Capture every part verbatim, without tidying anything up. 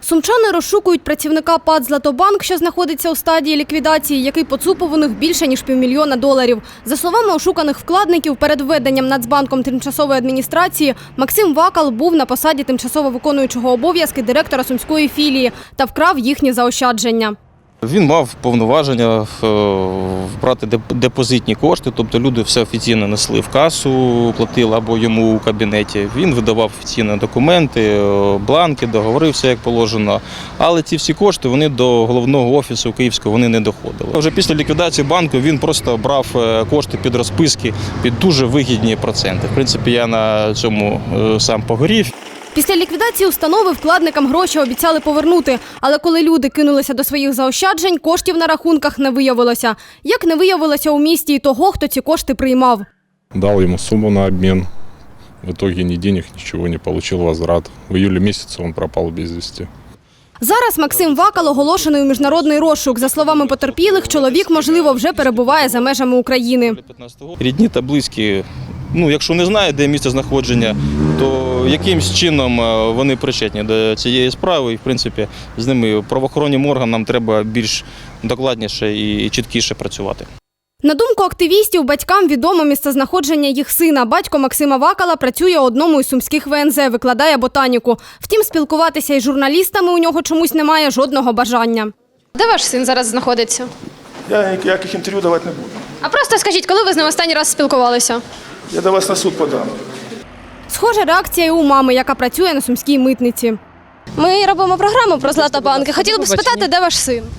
Сумчани розшукують працівника ПАТ «Златобанк», що знаходиться у стадії ліквідації, який поцупив у них більше, ніж півмільйона доларів. За словами ошуканих вкладників, перед введенням Нацбанком тимчасової адміністрації Максим Вакал був на посаді тимчасово виконуючого обов'язки директора сумської філії та вкрав їхні заощадження. Він мав повноваження брати депозитні кошти, тобто люди все офіційно несли в касу, платили або йому у кабінеті. Він видавав офіційні документи, бланки, договори, все як положено. Але ці всі кошти вони до головного офісу київського вони не доходили. Вже після ліквідації банку він просто брав кошти під розписки під дуже вигідні проценти. В принципі, я на цьому сам погорів. Після ліквідації установи вкладникам гроші обіцяли повернути, але коли люди кинулися до своїх заощаджень, коштів на рахунках не виявилося. Як не виявилося у місті і того, хто ці кошти приймав. Дав йому суму на обмін. В итоге ні денег, нічого не отримав возврат. В июле місяці він пропав без вісті. Зараз Максим Вакал оголошений у міжнародний розшук. За словами потерпілих, чоловік, можливо, вже перебуває за межами України. Рідні та близькі, ну, якщо не знають, де місце знаходження, то якимсь чином вони причетні до цієї справи. І, в принципі, з ними правоохоронним органам треба більш докладніше і чіткіше працювати. На думку активістів, батькам відомо місцезнаходження їх сина. Батько Максима Вакала працює у одному із сумських ВНЗ, викладає ботаніку. Втім, спілкуватися із журналістами у нього чомусь немає жодного бажання. Де ваш син зараз знаходиться? Я ніяких інтерв'ю давати не буду. А просто скажіть, коли ви з ним останній раз спілкувалися? Я до вас на суд подам. Схожа реакція і у мами, яка працює на сумській митниці. Ми робимо програму про Златобанк. Хотіли б спитати, де ваш син?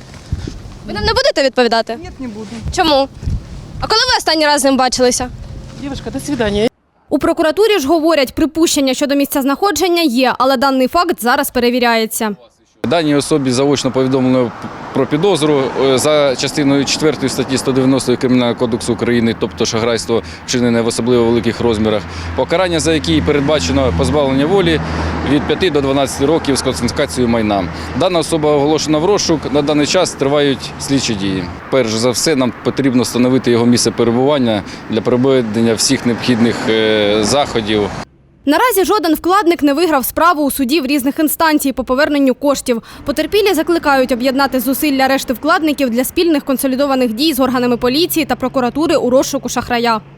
Ви нам не будете відповідати? Ні, не буду. Чому? А коли ви останній раз з ним бачилися? Дівчинка, до свидання. У прокуратурі ж говорять, припущення щодо місця знаходження є, але даний факт зараз перевіряється. Даній особі заочно повідомлено про підозру за частиною четвертої статті сто дев'яносто Кримінального кодексу України, тобто шахрайство, вчинене в особливо великих розмірах, покарання за які передбачено позбавлення волі від п'яти до дванадцяти років з конфіскацією майна. Дана особа оголошена в розшук, на даний час тривають слідчі дії. Перш за все, нам потрібно встановити його місце перебування для проведення всіх необхідних заходів. Наразі жоден вкладник не виграв справу у судів різних інстанцій по поверненню коштів. Потерпілі закликають об'єднати зусилля решти вкладників для спільних консолідованих дій з органами поліції та прокуратури у розшуку шахрая.